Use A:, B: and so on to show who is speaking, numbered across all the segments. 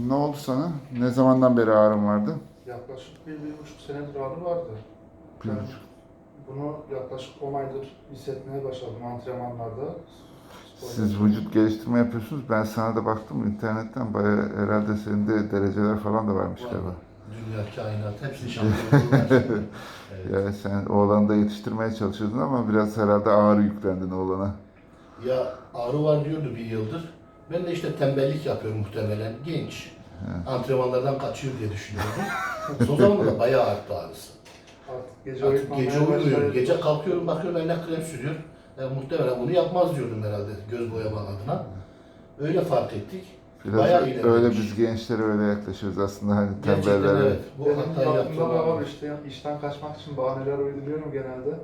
A: Ne oldu sana? Ne zamandan beri ağrın vardı?
B: Yaklaşık 1,5 senedir ağrı vardı.
A: Bir
B: Ben
A: buçuk.
B: bunu yaklaşık 10 aydır hissetmeye başladım antrenmanlarda. Sporda.
A: Siz vücut geliştirme yapıyorsunuz. Ben sana da baktım internetten. Bayağı herhalde senin de dereceler falan da varmış
C: Var.
A: galiba.
C: Dünya, kainat hepsi şampiyonluğu. Evet.
A: Yani sen oğlanı da yetiştirmeye çalışıyordun ama biraz herhalde ağır yüklendin oğlana.
C: Ya ağrı var diyordu bir yıldır. Ben de işte tembellik yapıyorum muhtemelen. Genç. Antrenmanlardan kaçıyor diye düşünüyordum. Son zamanlarda bayağı arttı ağrısı.
B: Artık gece
C: Artık gece
B: uyumaya
C: uyumuyorum.
B: başladı.
C: Gece kalkıyorum bakıyorum eline krem sürüyor. Muhtemelen bunu yapmaz diyordum herhalde göz boyama adına. Öyle fark ettik.
A: Biraz
C: Bayağı
A: öyle
C: ilerlemiş.
A: biz gençlere öyle yaklaşıyoruz aslında hani
C: Gerçekten
A: tembellere.
C: evet. Bu
B: Benim
C: hatayı
B: aklımda da
C: yaptım.
B: var işte işten kaçmak için bahaneler uyduruyorum genelde.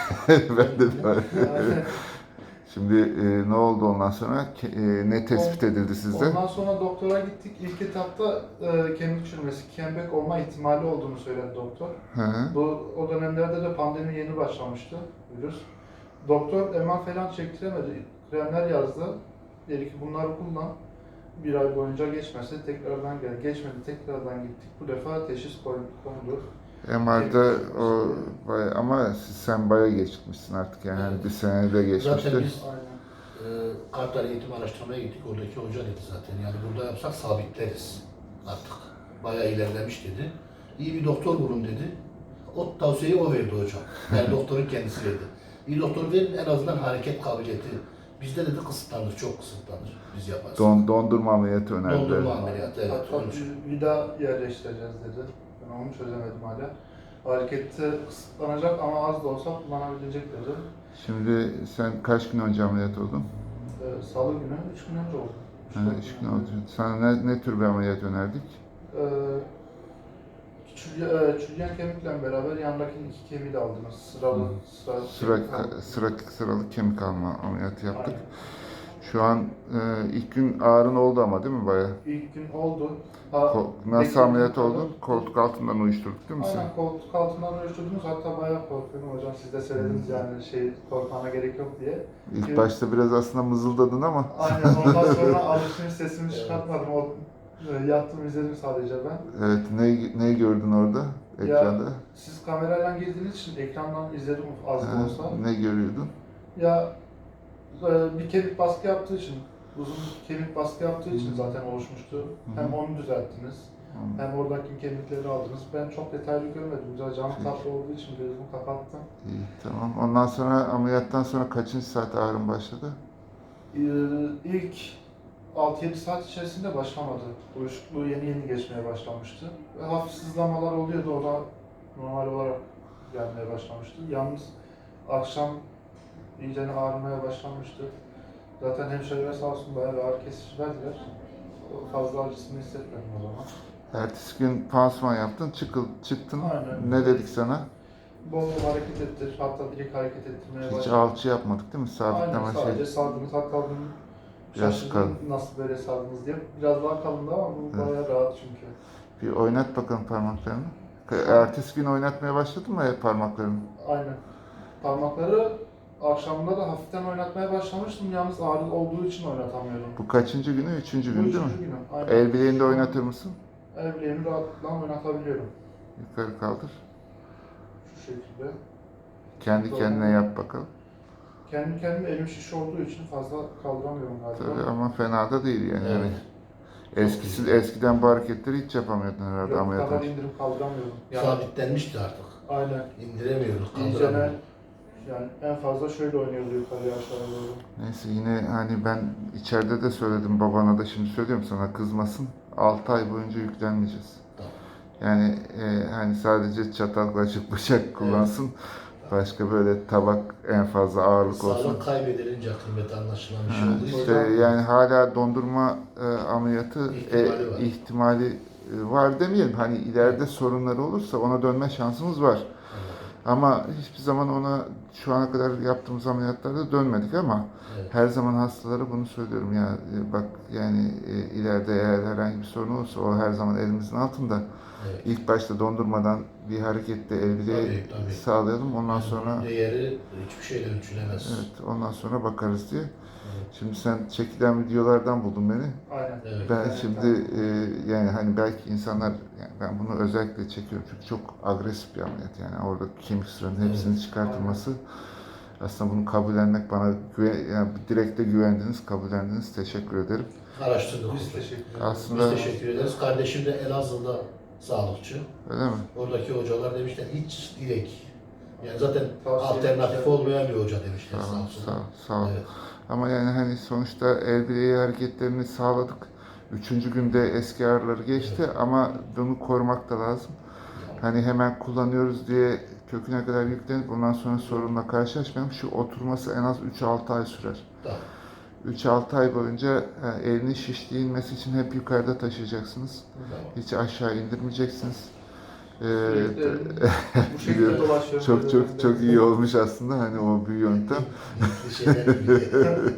A: Ben de böyle.
B: Yani
A: Şimdi ne oldu ondan sonra? Ne tespit edildi sizde?
B: ondan sonra doktora gittik. İlk etapta kemik çürümesi, kembek olma ihtimali olduğunu söyledi doktor.
A: Hı hı.
B: O dönemlerde de pandemi yeni başlamıştı virüs. Doktor MR falan çektiremedi. Kremler yazdı. Dedi ki bunları kullan. Bir ay boyunca geçmezse tekrardan gel. Geçmedi tekrardan gittik. Bu defa teşhis kondu.
A: MR'da o bayağı, ama sen bayağı geçmişsin artık yani hani bir senede
C: Zaten
A: geçmişti.
C: biz
B: Aynen.
C: Kartal Eğitim Araştırmaya gittik. Oradaki hoca dedi zaten. Yani burada yapsak sabitleriz artık. Bayağı ilerlemiş dedi. İyi bir doktor bulun dedi. O tavsiyeyi o verdi hocam. Yani doktorun kendisi verdi. İyi doktor verin en azından hareket kabiliyeti. Bizde dedi kısıtlanır, çok kısıtlanır. Biz yaparız.
A: Dondurma ameliyatı önerdiler.
C: Dondurma ameliyatı, evet.
B: Hatta
C: Onun için.
B: bir daha yerleştireceğiz dedi. Ben onu çözemedim hala. Harekette kısıtlanacak ama az da olsa kullanabilecek dedi.
A: Şimdi sen kaç gün önce ameliyat oldun?
B: Salı günü 3 gün önce oldu.
A: Ha, 3 gün oldu. Sana ne tür bir ameliyat önerdik?
B: Çürüyen kemikle beraber yandaki iki kemiği de aldınız.
A: Sıralı kemik alma ameliyatı yaptık.
B: Aynen.
A: Şu an ilk gün ağrın oldu ama değil mi bayağı?
B: İlk gün oldu.
A: Nasıl ameliyat oldun? Koltuk altından uyuşturduk değil mi sen?
B: Aynen koltuk altından ölçtürdünüz. Hatta bayağı korkuyorum hocam. Siz de söylediniz yani korkmana gerek yok diye.
A: İlk başta biraz aslında mızıldadın ama.
B: Aynen ondan sonra alışmış sesimi çıkartmadım. Yattım izledim sadece ben.
A: Evet, neyi gördün orada ekranda?
B: Ya siz kamerayla girdiğiniz için ekrandan izledim az da olsa.
A: Ne görüyordun?
B: Ya bir kemik baskı yaptığı için, uzun bir kemik baskı yaptığı için zaten oluşmuştu. Hem onu düzelttiniz, hem oradaki kemikleri aldınız. Ben çok detaylı görmedim. Güzel cam tatlı olduğu için gözümü kapattım.
A: İyi, tamam. Ondan sonra ameliyattan sonra kaçıncı saat ağrın başladı?
B: İlk 6-7 saat içerisinde başlamadı. Uyuşukluğu yeni geçmeye başlamıştı. Ve hafif sızlamalar oluyordu. O da normal olarak gelmeye başlamıştı. Yalnız akşam iyice ağrımaya başlamıştı. Zaten hemşireler sağ olsun bayağı bir ağrı kesici verdiler. Fazla acısını hissetmedim o zaman.
A: Ertesi gün pansuman yaptın, çıktın.
B: Aynen.
A: Ne dedik sana?
B: Bol bol hareket ettir, hatta direkt hareket ettirmeye
A: Hiç
B: başladım.
A: alçı yapmadık değil mi? Sabitleme
B: Aynen, sadece
A: şey.
B: sardınız. Hatta bunu
A: Biraz
B: şaşırdım
A: kalın.
B: nasıl böyle sardınız diye. Biraz daha kalındı ama bu
A: Evet.
B: bayağı rahat çünkü.
A: Bir oynat bakalım parmaklarını. Ertesi gün oynatmaya başladın mı parmaklarını?
B: Aynen. Parmakları akşamında da hafiften oynatmaya başlamıştım. Yalnız ağrı olduğu için oynatamıyordum.
A: Bu kaçıncı günü? Üçüncü
B: Bu
A: gün değil mi?
B: üçüncü günüm. Aynen.
A: El bileğini de oynatır mısın?
B: El bileğimi rahatlıkla oynatabiliyorum.
A: Yukarı kaldır.
B: Şu şekilde.
A: Kendi
B: Doğru.
A: kendine yap bakalım.
B: Kendi kendime elim şiş olduğu için fazla kaldıramıyorum galiba.
A: Tabii ama fena da değil yani.
C: Evet.
A: Eskiden bu hareketleri hiç yapamıyordun herhalde
B: Yok, bu
A: ameliyat
B: kadar
A: önce.
B: indirip kaldıramıyorum.
C: Sabitlenmişti artık.
B: Aynen.
C: İndiremiyoruz,
B: İyicene
C: kaldıramıyoruz.
B: yani en fazla şöyle oynuyordu yukarıya aşağıya doğru.
A: Neyse yine hani ben içeride de söyledim babana da şimdi söylüyorum sana kızmasın. 6 ay boyunca yüklenmeyeceğiz.
C: Tamam.
A: Yani hani sadece çatal kaşık bıçak kullansın. Başka böyle tabak en fazla ağırlık olsun.
C: Sağlık kaybedilince kıymeti anlaşılan bir şey olduğu için.
A: İşte yani hala dondurma ameliyatı
C: İhtimali var.
A: ihtimali var demeyelim. Hani ileride sorunları olursa ona dönme şansımız var. Ama hiçbir zaman ona şu ana kadar yaptığımız ameliyatlarda dönmedik ama
C: Evet.
A: her zaman hastalara bunu söylüyorum ya bak yani ileride eğer herhangi bir sorun olursa o her zaman elimizin altında.
C: Evet.
A: İlk başta dondurmadan bir harekette el bileği
C: Tabii.
A: sağlayalım ondan sonra
C: Değeri hiçbir şeyle ölçülemez.
A: evet ondan sonra bakarız diye.
C: Evet.
A: Şimdi sen çekilen videolardan buldun beni.
B: Aynen.
C: Evet.
A: Ben
B: Evet,
A: şimdi yani hani belki insanlar, yani ben bunu özellikle çekiyorum çünkü çok agresif bir ameliyat, yani orada kemik sıranın hepsinin
C: Evet.
A: çıkartılması, aslında bunu kabullenmek, bana yani direkt de güvendiniz, kabullendiniz, teşekkür ederim.
C: Araştırdık.
B: Biz teşekkür ederiz.
A: Aslında-
C: Biz teşekkür ederiz. Kardeşim de Elazığ'da sağlıkçı.
A: Öyle mi?
C: Oradaki hocalar demişler hiç direkt. Yani zaten
B: Tavsiye
C: alternatif
B: etmişler.
C: olmayan bir hoca demişler.
A: Sağ ol,
C: olsun.
A: sağ ol, sağ ol.
C: Evet.
A: Ama yani hani sonuçta el bileği hareketlerini sağladık. Üçüncü günde eski ağrıları geçti ama bunu korumak da lazım. Hani hemen kullanıyoruz diye köküne kadar yüklenip ondan sonra sorunla karşılaşmayalım. Şu oturması en az 3-6 ay sürer.
C: Tamam.
A: 3-6 ay boyunca elinin şişliği inmesi için hep yukarıda taşıyacaksınız.
C: Tamam.
A: Hiç aşağı indirmeyeceksiniz.
B: Sürekli bu şekilde
A: Biliyorum.
B: dolaşıyoruz.
A: Çok iyi olmuş aslında hani o bir yöntem.
C: Bir şeyler gibi.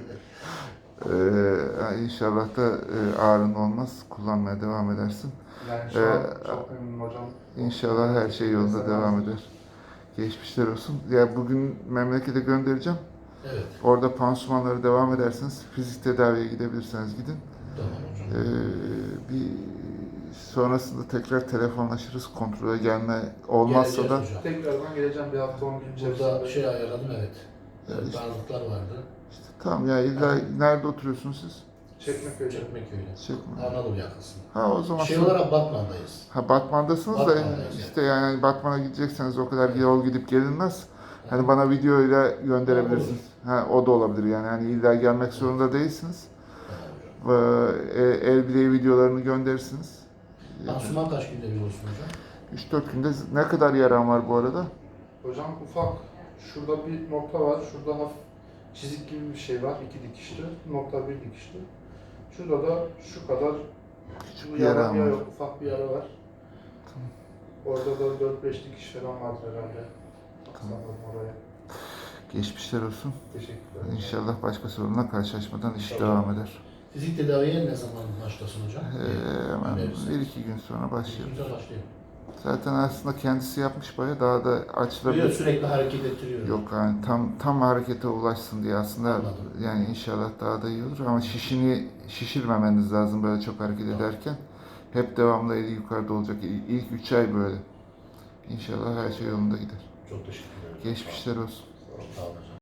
A: İnşallah da ağrın olmaz. Kullanmaya devam edersin.
B: Yani şu an çok memnunum hocam.
A: İnşallah her şey yolunda devam eder. Geçmişler olsun. Ya bugün memlekete göndereceğim.
C: Evet.
A: Orada pansumanlara devam edersiniz. Fizik tedaviye gidebilirseniz gidin.
C: Tamam hocam.
A: Bir sonrasında tekrar telefonlaşırız. Kontrole gelme olmazsa da
C: Geleceğiz hocam.
B: Tekrardan geleceğim bir hafta 10 gün içerisinde.
C: Burada şey ayarladım evet.
A: Evet.
C: Darlıklar vardı.
A: işte, tamam ya, illa nerede oturuyorsunuz siz?
B: Çekmeköy'de.
C: Çekmeköy'de.
A: Çekme.
C: Anadolu yakasında.
A: Ha o zaman
C: Şey
A: sonra-
C: olarak Batman'dayız.
A: Ha Batman'dasınız da
C: Batman'dayız,
A: işte yani Batman'a gidecekseniz o kadar yol gidip gelinmez. Hani bana videoyla gönderebilirsiniz. Ha o da olabilir yani. Hani illa gelmek zorunda değilsiniz.
C: Tamam hocam.
A: El bileği videolarını gönderirsiniz.
C: Pansuman kaç günde bir olsun hocam?
A: 3-4 günde ne kadar yaran var bu arada?
B: Hocam ufak, şurada bir nokta var, şurada hafif çizik gibi bir şey var, 2 dikişli, nokta 1 dikişli. Şurada da şu kadar
A: Küçük bir
B: bir yara
A: yaran var.
B: yok, ufak bir yara var. Orada da 4-5 dikiş falan vardır herhalde. Sanırım oraya.
A: Geçmişler olsun.
B: Teşekkürler.
A: İnşallah başka sorunla karşılaşmadan iş
B: İnşallah.
A: devam eder.
C: Fizik tedaviye ne zaman başlasın hocam?
A: Hemen
C: Önerirsin.
A: 1-2 gün sonra başlayalım.
C: Güzel başlayalım.
A: Zaten aslında kendisi yapmış bayağı, daha da
C: Biliyor,
A: açılabilir.
C: sürekli hareket ettiriyor.
A: Yok yani tam harekete ulaşsın diye aslında,
C: Anladım.
A: yani inşallah daha da iyi olur ama şişirmemeniz lazım böyle çok hareket ederken. Hep devamlı eli yukarıda olacak. İlk 3 ay böyle. İnşallah her şey yolunda gider.
C: Çok teşekkür ederim.
A: Geçmişler olsun.
C: Sağ olun hocam.